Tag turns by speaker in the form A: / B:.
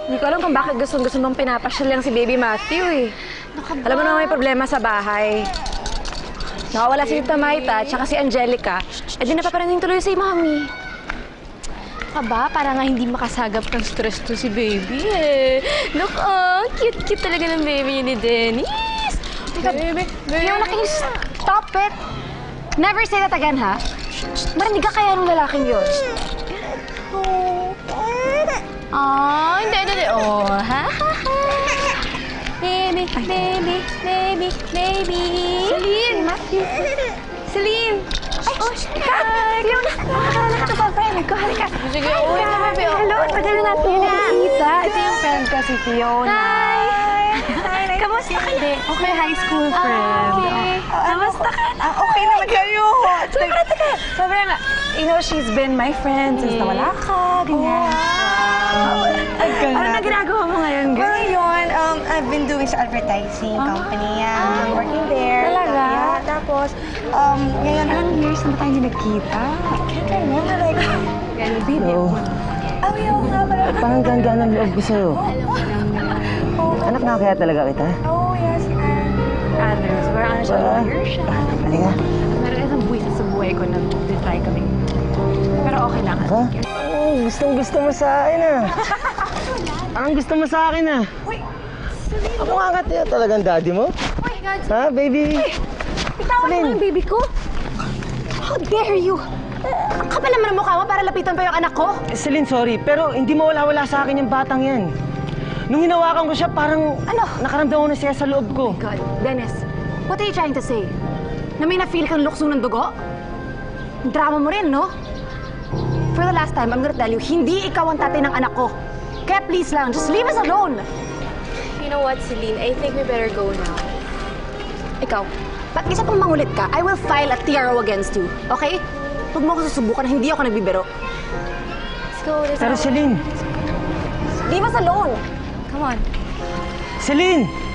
A: Hindi ko alam kung bakit gustong-gusto mong pinapasyal lang si Baby Matthew eh. Alam mo naman may problema sa bahay. Nakawala si Tita Maita at saka si Angelica. Eh di napaparating tuloy si Mami.
B: Aba, para nga hindi makasagap ng stress to si Baby eh. Look, cute-cute talaga ng baby ni Dennis.
A: Baby. Yung stop it! Never say that again, ha? Marinig ka kaya ng lalaking yun?
B: Hindi. Oh, ha? Baby.
A: Celine! Celine! Ay, hi! Leon! Nakakala ka ba, friend? Halika.
B: Sige, uwi na, baby.
A: Hello, tagal na natin nakikita. Ito yung friend ko, si Fiona.
B: Hi!
A: Kamusta ka na? Okay, high school friend.
B: Okay.
A: Kamusta ka na? Okay naman kayo. Sobrang, you know, she's been my friend since nawala ka, ganyan. Ano na ginagawa mo ngayon, girl?
C: Well, yun, I've been doing sa advertising company. I'm working there.
A: Talaga?
C: Yeah, tapos, ngayon,
A: Ilang years na ba tayo hindi nagkita?
C: I can't remember, like,
D: Hello.
C: oh, yung nga pala.
D: Parang ganda ng loob ko sa'yo. Anak nga kaya talaga kita?
C: Oh, yes,
A: Others, parang ano siya, lawyer siya.
D: Halika.
A: Meron isang buwis sa buhay ko na try kami. Pero okay lang.
D: Ha? Gustong-gusto mo sa akin ah. Ang gusto mo sa akin ah. Ako nga kaya talagang daddy mo? Ha, baby?
A: Bitawan mo yung baby ko? How dare you? Ang kapal naman ang mukha mo para lapitan pa yung anak ko?
D: Celine, sorry, pero hindi mawala-wala sa akin yung batang yan. Nung hinawakan ko siya, parang nakaramdam ko na siya sa loob ko.
A: God, Dennis, what are you trying to say? Na may na-feel kang lukso ng dugo? Drama mo rin, no? For the last time, I'm gonna tell you, hindi ikaw ang tatay ng anak ko. Kaya please lang, just leave us alone.
B: You know what, Celine? I think we better go now.
A: Ikaw, pag isa pang mangulit ka, I will file a TRO against you, okay? Huwag mo ako susubukan na hindi ako nagbibiro.
B: Let's go.
D: Pero Celine,
A: Leave us alone!
B: Come on.
D: Celine!